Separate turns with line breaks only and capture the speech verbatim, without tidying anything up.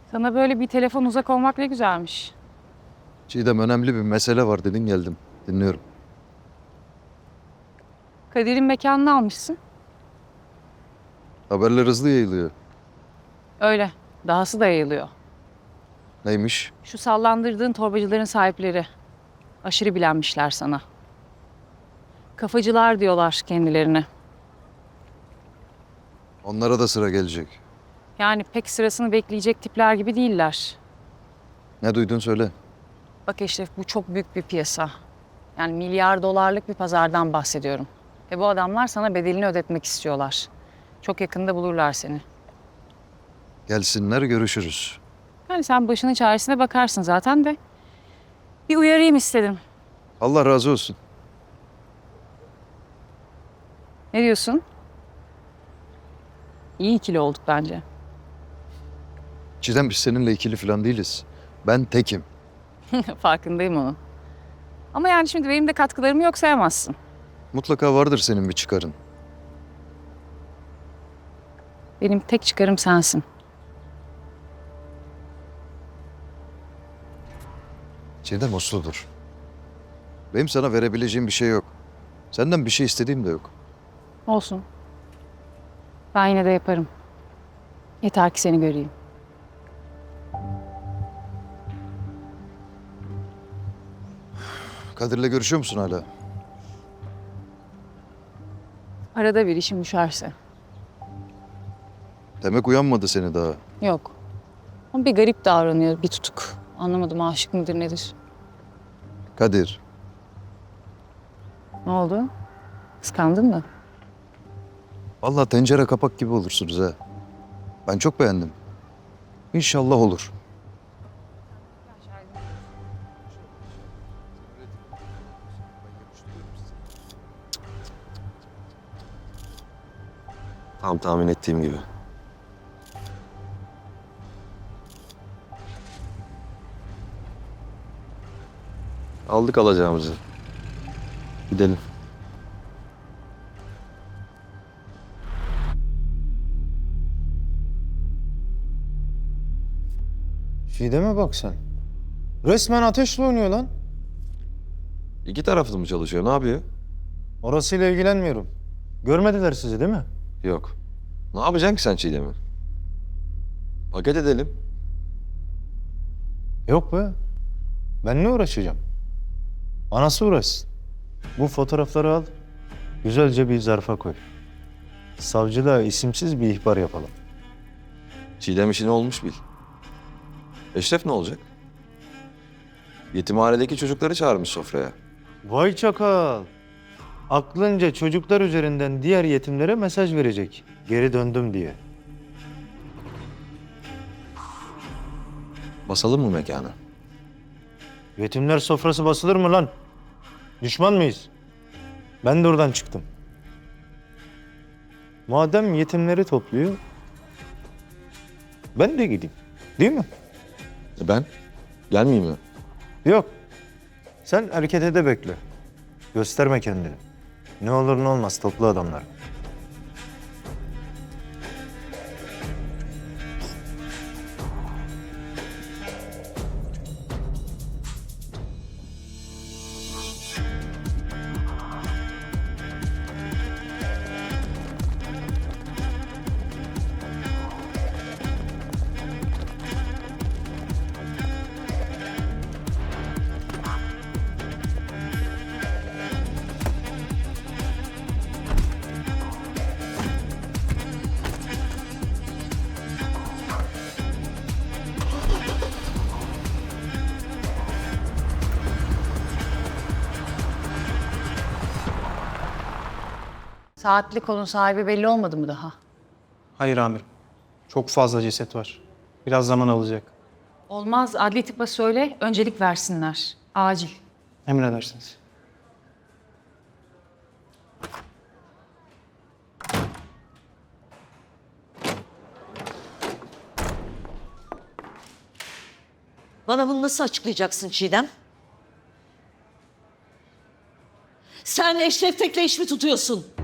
Sana böyle bir telefon uzak olmak ne güzelmiş.
Çiğdem, önemli bir mesele var dedin, geldim. Dinliyorum.
Kadir'in mekanını almışsın.
Haberler hızlı yayılıyor.
Öyle. Dahası da yayılıyor.
Neymiş?
Şu sallandırdığın torbacıların sahipleri. Aşırı bilenmişler sana. Kafacılar diyorlar kendilerine.
Onlara da sıra gelecek.
Yani pek sırasını bekleyecek tipler gibi değiller.
Ne duydun söyle.
Bak Eşref, bu çok büyük bir piyasa. Yani milyar dolarlık bir pazardan bahsediyorum. Ve bu adamlar sana bedelini ödetmek istiyorlar. Çok yakında bulurlar seni.
Gelsinler, görüşürüz.
Yani sen başının çaresine bakarsın zaten de. Bir uyarayım istedim.
Allah razı olsun.
Ne diyorsun? İyi ikili olduk bence.
Çiğdem, biz seninle ikili falan değiliz. Ben tekim.
Farkındayım onun. Ama yani şimdi benim de katkılarımı yok sayamazsın.
Mutlaka vardır senin bir çıkarın.
Benim tek çıkarım sensin.
Çiğdem, usludur. Benim sana verebileceğim bir şey yok. Senden bir şey istediğim de yok.
Olsun. Ben yine de yaparım. Yeter ki seni göreyim.
Kadir'le görüşüyor musun hala?
Arada bir işim düşerse.
Demek uyanmadı seni daha.
Yok. Ama bir garip davranıyor, bir tutuk. Anlamadım, aşık mıdır nedir?
Kadir,
Ne oldu? Kıskandın mı?
vallahi tencere kapak gibi olursunuz ha. Ben çok beğendim. İnşallah olur.
Tam tahmin ettiğim gibi. Aldık alacağımızı. Gidelim.
Çiğdem'e bak sen. Resmen ateşle oynuyor lan.
İki taraflı mı çalışıyor? Ne yapıyor?
Orasıyla ilgilenmiyorum. Görmediler sizi değil mi?
Yok. Ne yapacaksın ki sen Çiğdem'i? Paket edelim.
Yok be. Ben ne uğraşacağım? Anası uğraşsın. Bu fotoğrafları al. Güzelce bir zarfa koy. Savcılığa isimsiz bir ihbar yapalım.
Çiğdem işini olmuş bil. Eşref ne olacak? Yetimhanedeki çocukları çağırmış sofraya.
Vay çakal. Aklınca çocuklar üzerinden diğer yetimlere mesaj verecek. Geri döndüm diye.
Basalım mı mekanı?
Yetimler sofrası basılır mı lan? Düşman mıyız? Ben de oradan çıktım. Madem yetimleri topluyor, ben de gideyim. Değil mi?
E ben? Gelmeyeyim mi?
Yok. Sen harekete de bekle. Gösterme kendini. Ne olur ne olmaz toplu adamlar.
Saatli kolun sahibi belli olmadı mı daha?
Hayır amirim. Çok fazla ceset var. Biraz zaman alacak.
Olmaz, adli tıpa söyle, öncelik versinler. Acil.
Emredersiniz.
Bana bunu nasıl açıklayacaksın Çiğdem? Sen Eşref Tek'le iş mi tutuyorsun?